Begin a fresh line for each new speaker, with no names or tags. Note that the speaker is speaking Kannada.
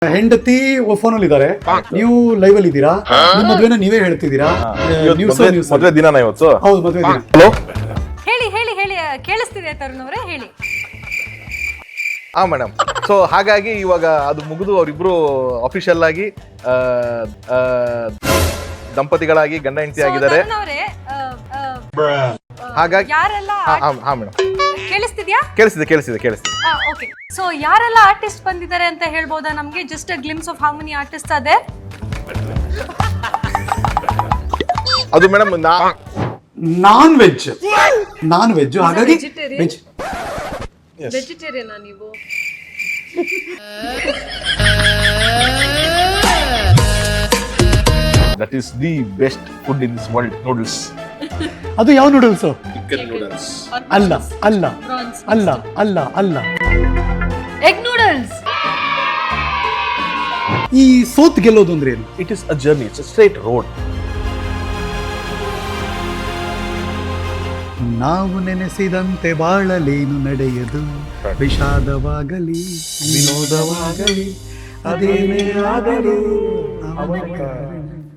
ಹೆಂಡತಿ ಫೋನಲ್ಲಿ ಇದಾರೆ, ನೀವು ಲೈವ್ ಅಲ್ಲಿ ಇದ್ದೀರಾ, ನಿಮ್ಮ ಮದ್ವೆನ ನೀವೇ ಹೇಳ್ತಿದ್ದೀರಾ.
ಮದುವೆ ದಿನ ಇವತ್ತು.
ಹೌದು, ಮದ್ವೆ ದಿನ.
ಹಲೋ,
ಹೇಳಿ ಹೇಳಿ ಹೇಳಿ, ಕೇಳಿಸ್ತಿದೆ ತರುಣ್ ಅವರೇ, ಹೇಳಿ.
ಹಾ ಮೇಡಮ್. ಸೊ ಹಾಗಾಗಿ ಇವಾಗ ಅದು ಮುಗಿದು ಅವರಿಬ್ರು ಅಫಿಷಿಯಲ್ ಆಗಿ ದಂಪತಿಗಳಾಗಿ ಗಂಡ ಹೆಂಡತಿ ಆಗಿದ್ದಾರೆ.
ತರುಣ್ ಅವರೇ,
ಹಾಗಾಗಿ
ಯಾರೆಲ್ಲ
ಹಾ ಮೇಡಮ್,
ಕೇಳಿಸ್ತಿದ್ಯಾ?
ಕೇಳಿಸ್ತಿದೆ.
ಓಕೆ, ಸೊ ಯಾರೆಲ್ಲ ಆರ್ಟಿಸ್ಟ್ ಬಂದಿದ್ದಾರೆ ಅಂತ ಹೇಳ್ಬೋದಾ ನಮ್ಗೆ? Just a glimpse of how many artist ಅದೇ.
ಅದು ಮೇಡಮ್
ನಾನ್ ವೆಜ್ ಹಾಗಾಗಿ ವೆಜ್.
ವೆಜಿಟೇರಿಯನ್ ನೀವು?
That is the best food in this world, noodles.
ಅದು ಯಾವ ನೂಡಲ್ಸ್?
Chicken noodles.
ಅಲ್ಲ.
Egg noodles.
ಈ ಸೋತ್ ಗೆಲ್ಲೋದು ಅಂದ್ರೆ ಏನು?
It is a journey, it's a straight road.
ನಾವು ನೆನೆಸಿದಂತೆ ಬಾಳಲೇನು ನಡೆಯದು, ವಿಷಾದವಾಗಲಿ ವಿನೋದವಾಗಲಿ ಅದೇನೇ ಆಗಲಿ.